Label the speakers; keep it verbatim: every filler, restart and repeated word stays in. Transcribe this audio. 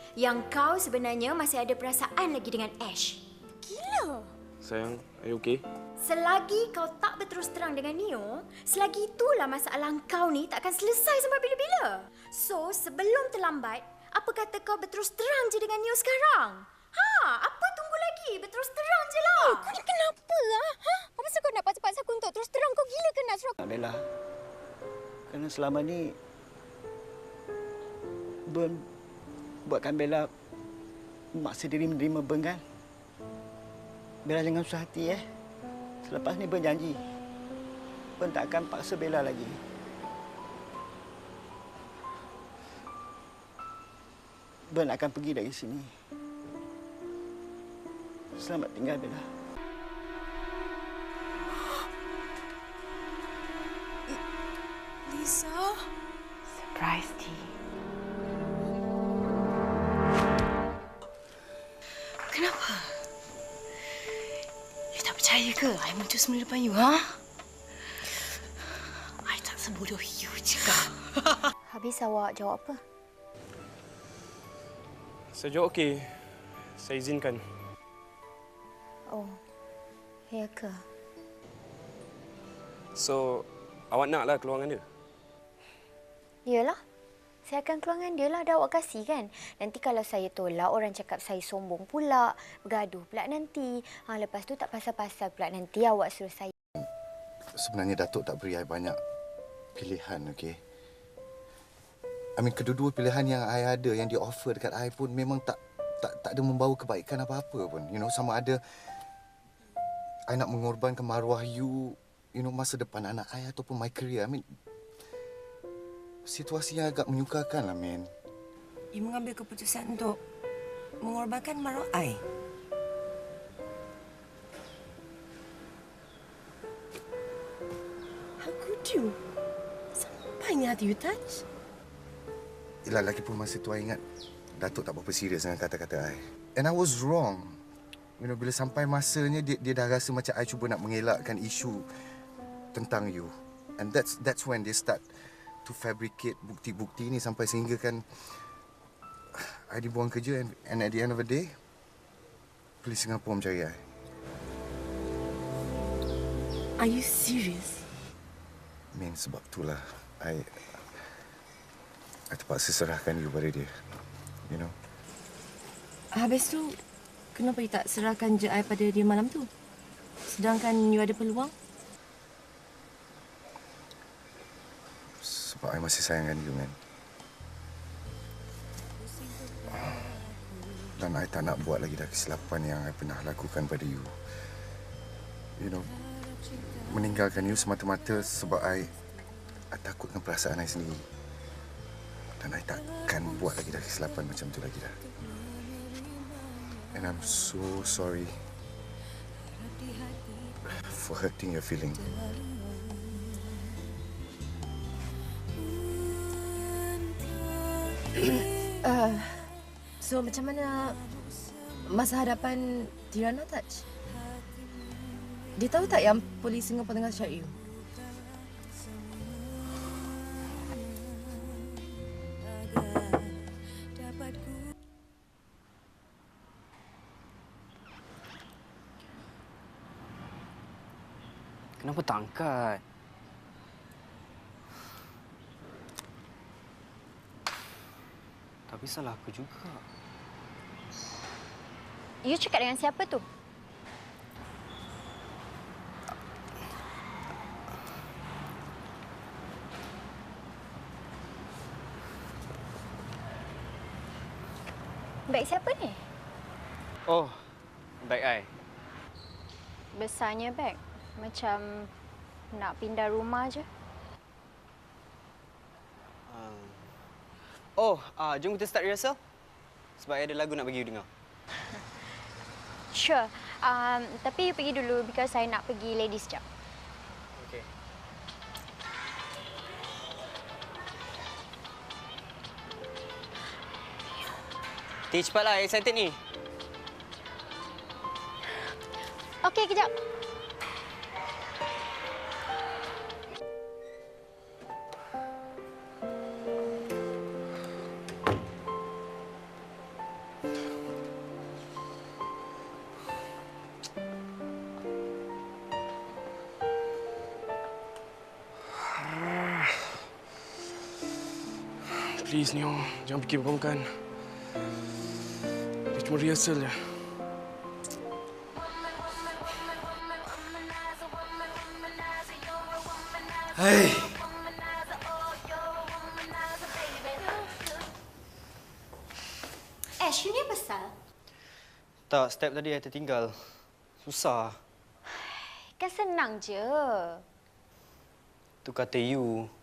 Speaker 1: yang kau sebenarnya masih ada perasaan lagi dengan Ash. Gila.
Speaker 2: Sayang, are you okay?
Speaker 1: Selagi kau tak berterus terang dengan Neo, selagi itulah masalah kau ni takkan selesai sampai bila-bila. So, sebelum terlambat, apa kata kau berterus terang je dengan Neo sekarang? Ha, apa tunggu lagi? Berterus terang je lah.
Speaker 3: Eh, kau ni kenapa lah? Ha? Apa pasal kau nak paksa-paksa aku untuk terus terang? Kau gila ke nak suruh aku?
Speaker 4: Bella, kerana selama ni Ben buatkan Bella memaksa diri menerima Ben kan? Bella jangan susah hati eh. Selepas ni Ben janji Ben tak akan paksa Bella lagi. Ben akan pergi dari sini. Selamat tinggal Bella.
Speaker 3: Lisa?
Speaker 5: Surprise tea.
Speaker 3: Kenapa? You tak percaya ke? I muncul semula depan you, ha? I tak sebodoh you juga.
Speaker 5: Habis awak jawab apa?
Speaker 2: Saya jawab okey. Saya izinkan.
Speaker 5: Oh, ya ke?
Speaker 2: So, awak naklah keluar dengan dia?
Speaker 5: Yalah. Saya akan keluar dengan dia lah. Dah awak kasih kan? Nanti kalau saya tolak, orang cakap saya sombong pula. Bergaduh pula nanti. Ha, lepas tu tak pasal-pasal pula nanti awak suruh saya.
Speaker 6: Sebenarnya Datuk tak beri I banyak pilihan, okey? I mean, kedua-dua pilihan yang I ada, yang dia offer dekat I pun memang tak tak tak ada membawa kebaikan apa-apa pun. You know, sama ada I nak mengorbankan maruah you, you know, masa depan anak I ataupun my career. I mean, situasi yang agak menyukakan lah, man.
Speaker 7: You mengambil keputusan untuk mengorbankan maruah I. How could you? Sampainya hati you touch.
Speaker 6: Yelah, lagipun masa tu I ingat Datuk tak berapa serius dengan kata-kata I. And I was wrong. You know, bila sampai masanya dia, dia dah rasa macam I cuba nak mengelakkan isu tentang you. And that's that's when they start to fabricate bukti-bukti ni sampai sehingga kan I dibuang kerja and, and at the end of the day polis Singapura mencari I.
Speaker 7: Are you serious?
Speaker 6: Min, sebab itulah I I terpaksa serahkan you pada dia. You know.
Speaker 7: Habis tu, kenapa you tak serahkan je I pada dia malam tu? Sedangkan you ada peluang?
Speaker 6: Sebab I masih sayangkan you, man. Dan I tak nak buat lagi dah kesilapan yang I pernah lakukan pada you. You know, meninggalkan you semata-mata sebab I, I takutkan perasaan I sendiri. Dan I takkan buat lagi dah kesilapan macam tu lagi dah. And I'm so sorry for hurting your feeling.
Speaker 7: uh, so, macam mana masa hadapan Tirana Touch? Dia tahu tak yang polis Singapura tengah cari you?
Speaker 8: Kenapa tak angkat? Tapi salah aku juga.
Speaker 5: You cakap dengan siapa tu? Beg siapa ni?
Speaker 8: Oh, beg I.
Speaker 5: Besarnya beg. Macam nak pindah rumah je.
Speaker 8: Uh, oh, uh, jom kita start rehearsal. Sebab I ada lagu nak bagi you dengar.
Speaker 5: Sure. Um, tapi you pergi dulu because saya nak pergi ladies jam.
Speaker 8: Okay. Ti, cepatlah. Excited ni.
Speaker 5: Okey, kejap.
Speaker 2: Please, Neo. Jangan fikir bukan-bukan. Dia cuma rehearsal je.
Speaker 8: Hai.
Speaker 1: Ash, you ni apa pasal?
Speaker 8: Tak, step tadi saya tertinggal. Susah.
Speaker 5: Kan senang je.
Speaker 8: Tu kata you.